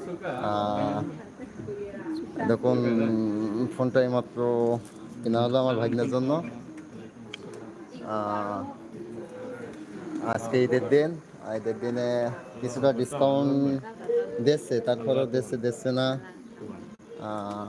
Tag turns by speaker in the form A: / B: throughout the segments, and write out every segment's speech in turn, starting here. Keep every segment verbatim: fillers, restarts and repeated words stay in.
A: আহ, দেখুন ফোনটা এইমাত্র কেনা হলো আমার ভাগ্নের জন্য। আহ, আজকে ঈদের দিন, ঈদের দিনে কিছুটা ডিসকাউন্ট দিচ্ছে, তারপরেও দিচ্ছে দিচ্ছে না। আহ,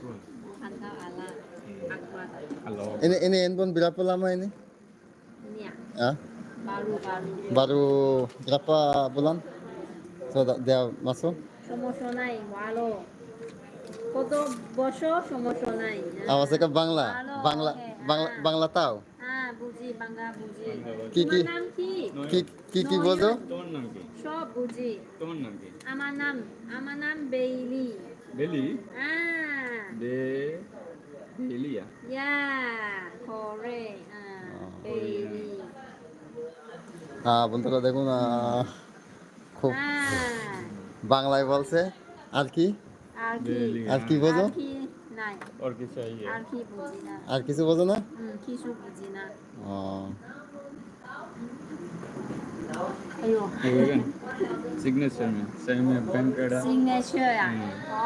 A: ini ini handphone berapa lama ini? Ah, baru berapa bulan? Sudah dia masuk?
B: সমস্যা নাই ভালো কত বছর সমস্যা নাই
A: Apa sih ke Bangla?
B: ভালো
A: Bangla,
B: ওকে
A: Bangla,
B: হ্যাঁ
A: Bangla tahu?
B: হ্যাঁ বুঝি বাংলা বুঝি
A: কি
B: তোমার
A: কি
B: নাম কি
A: কি কি কি বোঝো?
C: তোমার নাম কি?
B: সব বুঝি
C: তোমার নাম কি?
B: আমার নাম আমার নাম বেইলি
C: বেলি?
B: হ্যাঁ
C: বে বেলিয়া?
B: ইয়া করে হ্যাঁ বেইলি
A: আহ, বন্ধুরা দেখুন, আহ, খুব
B: হ্যাঁ
A: বাংলায় বলছে। আর কি
B: আর কি
C: বেলি
A: আর কি বোঝো?
B: আর কি নাই
C: और किस चाहिए?
B: আর কি বুঝি না
A: আর কিছু বোঝো না?
B: হুম কিছু বুঝি না
A: ও,
B: আয়ো
C: वेगन सिग्नेचर में सही में बैंक कार्ड
B: সিগনেচার ও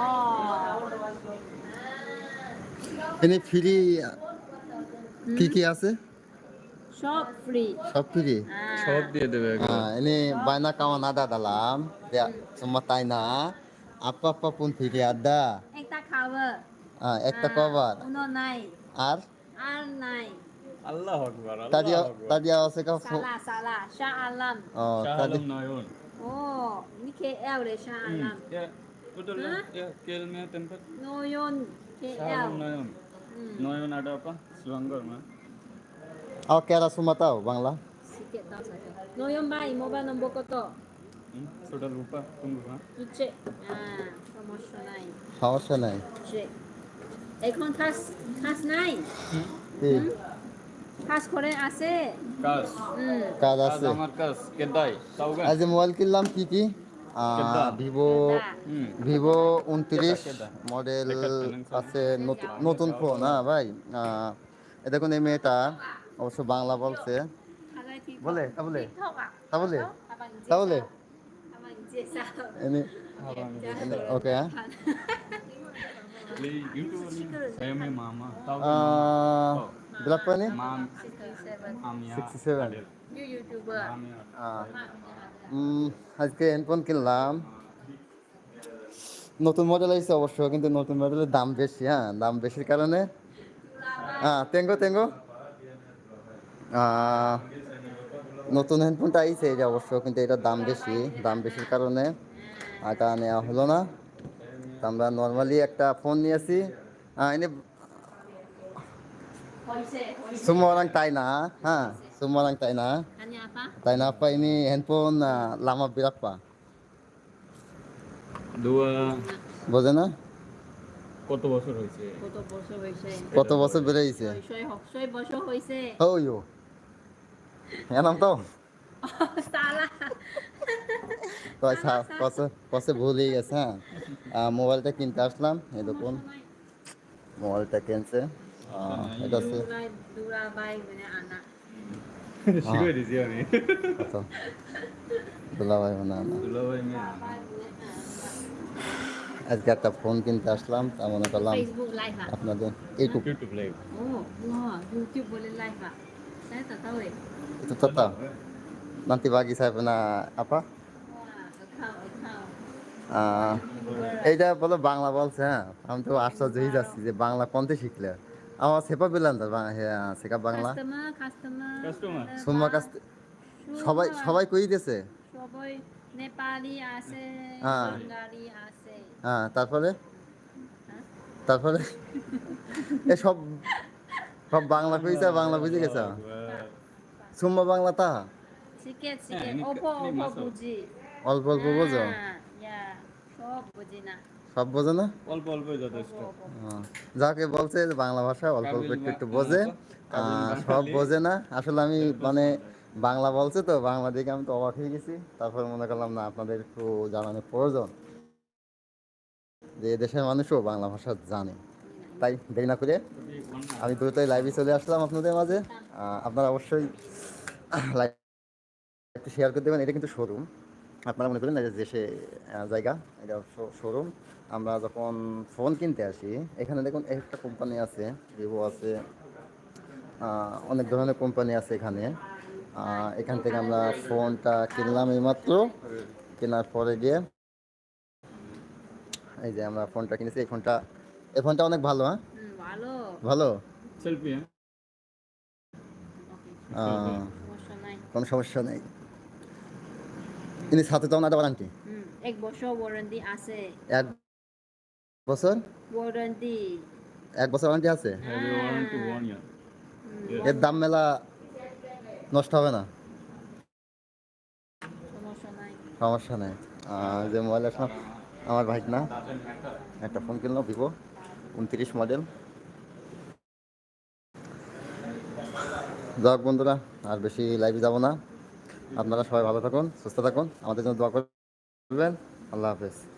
A: এনে ফ্রি কি কি আছে?
B: সব ফ্রি
A: সব ফ্রি?
C: सब दिए देवे
A: Ah, ini banyak kawan ada dalam. Ya, semua tanya apa apa pun tidak ada.
B: একটা খাবার
A: Ah, ekta cover.
B: উনো নাই
A: আর
B: আর নাই
C: अल्लाह अकबर
A: tadi
C: अल्लाह अकबर
A: tadi awak cakap
B: সালা সালা শাহ আলম
A: oh
C: शाह
A: tadi
C: आलम नयन
B: ও নি কে এল রে Shah Alam
C: ya betul
B: Hah?
C: ya kel में tempat
B: নয়ন কে
C: शाह
B: এল
C: आलम नयन नयन ada apa Selangor mah
A: awak kira semua tahu Bangla?
B: সিকেট দাও সাথে নয়ন ভাই মোবাইল নম্বর কত
C: hmm, sudah lupa tunggu ha
B: ইচ্ছে হ্যাঁ সমস্যা নাই
A: সমস্যা নাই।
B: ইচ্ছে এখন খাস খাস নাই
A: কি
B: খাস করে আছে
C: kas
B: হুম
A: কাজ
C: kas
A: আছে?
C: আমার kas kedai tahu kan
A: আজ যে মোবাইল কিনলাম কি কি
C: কেডা?
A: ভিভো
C: hmm
A: ভিভো উনত্রিশ
C: কেডা?
A: মডেল
C: দেখাচ্ছে না স্যার।
A: আছে, নতুন নতুন ফোন। হ্যাঁ ভাই, আহ, এ দেখুন এই মেয়েটা অবশ্য বাংলা বলছে। বলে তা বলে তা বলে তা বলে ini
C: abang
A: ini oke ya.
C: beli YouTube saya में मामा tahu kan
A: Ah,
C: Oh.
A: berapa nih?
C: mam mamnya
A: sixty-seven.
C: Adil.
B: YouTuber
C: mamnya
A: Ah, hmm, আজকে হেডফোন কিনলাম, নতুন মডেল এসেছে অবশ্য, কিন্তু নতুন মডেলের দাম বেশি। হ্যাঁ, দাম বেশির কারণে হ্যাঁ তেঙ্গো তেঙ্গো আহ, নতুন হেডফোনটা আইছে এই যে অবশ্য, কিন্তু এটার দাম বেশি। দাম বেশির কারণে এটা নেওয়া হলো না। তো আমরা নর্মালি একটা ফোন নিয়েছি। আহ, এনে semua orang China, ha, semua orang China.
B: Tanya apa?
A: China apa ini handphone ah, lama berapa?
C: dua
A: বোঝে না?
C: কত বছর হয়েছে
B: কত বছর হয়েছে
A: কত বছর বেড়েছে?
B: ছয় ছয় বছর হয়েছে
A: Oh yo, enam tahun.
B: সালা
A: তো আচ্ছা, কসে কসে ভুলেই গেছে। হ্যাঁ, আহ, মোবাইলটা কিনতে আসলাম, এই দেখুন মোবাইলটা কিনছে। আহ, এটা হচ্ছে
B: দুলাই দুরা বাই মানে আনা
C: শিখে দিছি আমি
A: কত দুলাভাই না না,
C: দুলাভাই মেয়ে
A: আজকে একটা ফোন কিনতে আসলাম, তা মনে করলাম
B: ফেসবুক লাইভ ah
A: আপনাদের YouTube
C: YouTube live
B: oh wah YouTube boleh live ah saya tak tahu eh
A: itu tetap nanti bagi saya pernah apa
B: wah account account
A: আহ, এইটা বলো বাংলা বলছে। হ্যাঁ, আমি তো আশ্চর্য হয়ে যাচ্ছি যে বাংলা কোনতে শিখলে। আমার সেপা পেলাম তো হ্যাঁ, শেখা বাংলা
B: customer customer
C: Customer?
A: সুম্মা কাছ থেকে সবাই সবাই কই দিয়েছে।
B: সবাই নেপালি আছে
A: হ্যাঁ।
B: বাঙালি আছে
A: হ্যাঁ, তারপরে
B: হ্যাঁ?
A: তারপরে এ সব সব বাংলা কইছে, বাংলা বুঝে গেছে। সুম্মা বাংলা তা
B: sikit
C: Eh,
B: sikit
C: ini-
B: opo
C: ini
B: opo
C: masuk.
B: buji
A: অল্প অল্প বোঝো?
B: Ah, ya সব বুঝি না
A: সব বোঝো না?
C: অল্প অল্প যথেষ্ট
A: আহ, যাকে বলছে যে বাংলা ভাষা অল্প অল্প একটু একটু বোঝে, আহ, সব বোঝে না। আসলে আমি মানে বাংলা বলছে তো, বাংলা দেখে আমি তো অবাক হয়ে গেছি। তারপর মনে করলাম না, আপনাদের একটু জানানোর প্রয়োজন যে দেশের মানুষও বাংলা ভাষা জানে। তাই দেরি না করে আমি দ্রুতই লাইভে চলে আসলাম আপনাদের মাঝে। আহ, আপনারা অবশ্যই লাইভটি শেয়ার করে দেবেন। এটা কিন্তু শোরুম, আপনারা মনে করেন না যে দেশে আহ, জায়গা, এটা শোরুম। আমরা যখন ফোন কিনতে আসি, এখানে দেখুন একটা কোম্পানি আছে, ভিভো আছে, আহ, অনেক ধরনের কোম্পানি আছে এখানে। আহ, এখান থেকে আমরা ফোনটা কিনলাম এইমাত্র। কেনার পরে গিয়ে এই যে আমরা ফোনটা কিনেছি, এই ফোনটা এই ফোনটা অনেক ভালো। হ্যাঁ,
B: হুম, ভালো।
A: ভালো।
C: সেলফি হ্যাঁ
A: আহ,
B: সমস্যা নাই।
A: কোনো সমস্যা নেই। ইনি সাথে তো একটা ওয়ারান্টি,
B: হুম, এক বছর ওয়ারেন্টি আছে।
A: এক বছর
B: ওয়ারেন্টি।
A: এক বছর ওয়ারান্টি আছে।
C: Have you warranty one year
A: এর দাম মেলা নষ্ট হবে না,
B: সমস্যা নাই।
A: সমস্যা নেই। আহ, যে মোবাইল আসলাম আমার ভাই না, একটা ফোন কিনলো ভিভো উনত্রিশ মডেল। যাক বন্ধুরা, আর বেশি লাইভে যাব না। আপনারা সবাই ভালো থাকুন, সুস্থ থাকুন, আমাদের জন্য দোয়া করবেন। আল্লাহ হাফেজ।